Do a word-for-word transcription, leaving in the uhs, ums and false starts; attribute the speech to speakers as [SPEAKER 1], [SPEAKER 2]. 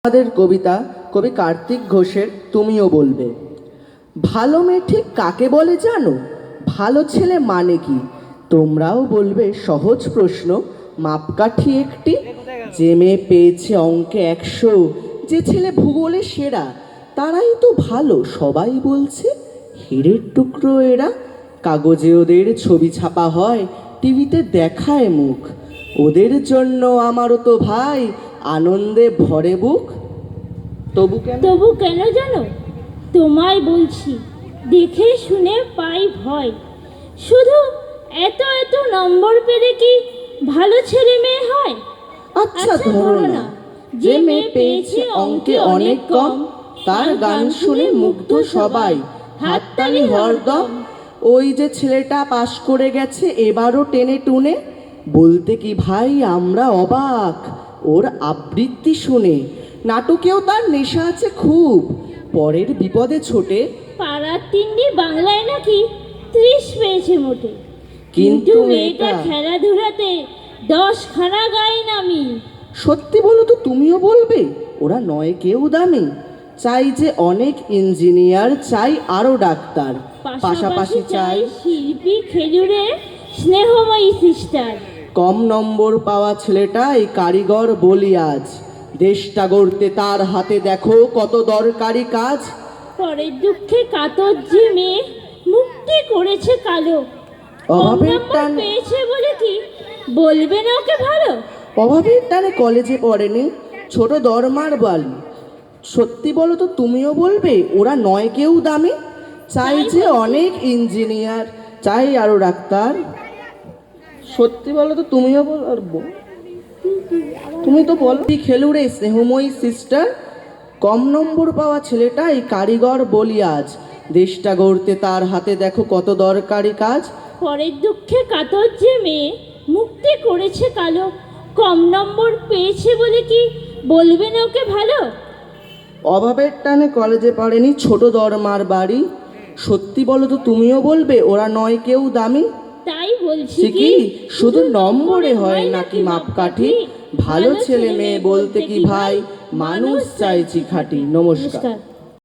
[SPEAKER 1] আমাদের কবিতা কবি কার্তিক ঘোষের তুমিও বলবে। ভালো মেয়ে ঠিক কাকে বলে জানো? ভালো ছেলে মানে কি? তোমরাও বলবে সহজ প্রশ্ন, মাপকাঠি একটি। যে মেয়ে পেয়েছে অঙ্কে একশো, যে ছেলে ভূগোলে সেরা, তারাই তো ভালো সবাই বলছে। হীরের টুকরো এরা। কাগজে ওদের ছবি ছাপা হয়, টিভিতে দেখায় মুখ। ওদের জন্য আমারও তো ভাই আনন্দে ভরে বুক। তবু কেন
[SPEAKER 2] তবু কেন জানো? তোমায় বলছি, দেখে শুনে পাই ভয়। শুধু এত এত নম্বর পেলে কি ভালো ছেলে মেয়ে হয়?
[SPEAKER 1] আচ্ছা ধরো না, যে মেয়ে পেয়েছে অঙ্কে অনেক কম, তার গান শুনে মুগ্ধ সবাই, হাততালি হরদম। ওই যে ছেলেটা পাশ করে গেছে এবারও টেনে টুনে, বলতে কি ভাই আমরা অবাক ওর আবৃত্তি শুনে। নাটকেও তার নেশা আছে খুব, পরের বিপদে ছোটে।
[SPEAKER 2] পাড়ার তিন্নি বাংলায় নাকি ত্রিশ পেয়েছে মোটে, কিন্তু মেয়েটা খেলাধুলাতে দশ খানা গায়ে নামি।
[SPEAKER 1] সত্যি বলো তো তুমিও বলবে, ওরা নয় কেউ দামি। চাই যে অনেক ইঞ্জিনিয়ার, চাই আরো ডাক্তার, পাশাপাশি চাই
[SPEAKER 2] শিল্পী, খেজুরে স্নেহময়ী সিস্টার।
[SPEAKER 1] কম নম্বর পাওয়া ছেলেটাই কারিগর বলি আজ, দেশটা গড়তে তার হাতে দেখো কত দরকারি কাজ।
[SPEAKER 2] পরের দুঃখে কাতর যে মেয়ে মুক্তি করেছে কালো,
[SPEAKER 1] অভাবের টান
[SPEAKER 2] পেয়েছে বলে কি বলবে না ওকে ভালো?
[SPEAKER 1] অভাবের টানে কলেজে পড়েনি, ছোট দরমার বালি। সত্যি বলো তো তুমিও বলবে, ওরা নয় কেউ দামি। চাই যে অনেক ইঞ্জিনিয়ার, চাই আরো ডাক্তার। সত্যি বলো তো তুমিও বলবো, তুমি তো বলো খেলুড়ে স্নেহময়ী সিস্টার। কম নম্বর পাওয়া ছেলেটাই কারিগর বলি আজ, দেশটা গড়তে তার হাতে দেখো কত দরকারি কাজ।
[SPEAKER 2] পরের দুঃখে কাতর যে মেয়ে মুক্তি করেছে কালো, কম নম্বর পেয়েছে বলে কি বলবে না ওকে ভালো?
[SPEAKER 1] অভাবের টানে কলেজে পড়েনি, ছোট দরমার বাড়ি। সত্যি বলো তো তুমিও বলবে, ওরা নয় কেউ দামি।
[SPEAKER 2] তাই বলছি
[SPEAKER 1] কি শুধু নম্বরে হয় নাকি মাপকাঠি? ভালো ছেলে মেয়ে বলতে কি ভাই, মানুষ চাইছি খাঁটি। নমস্কার।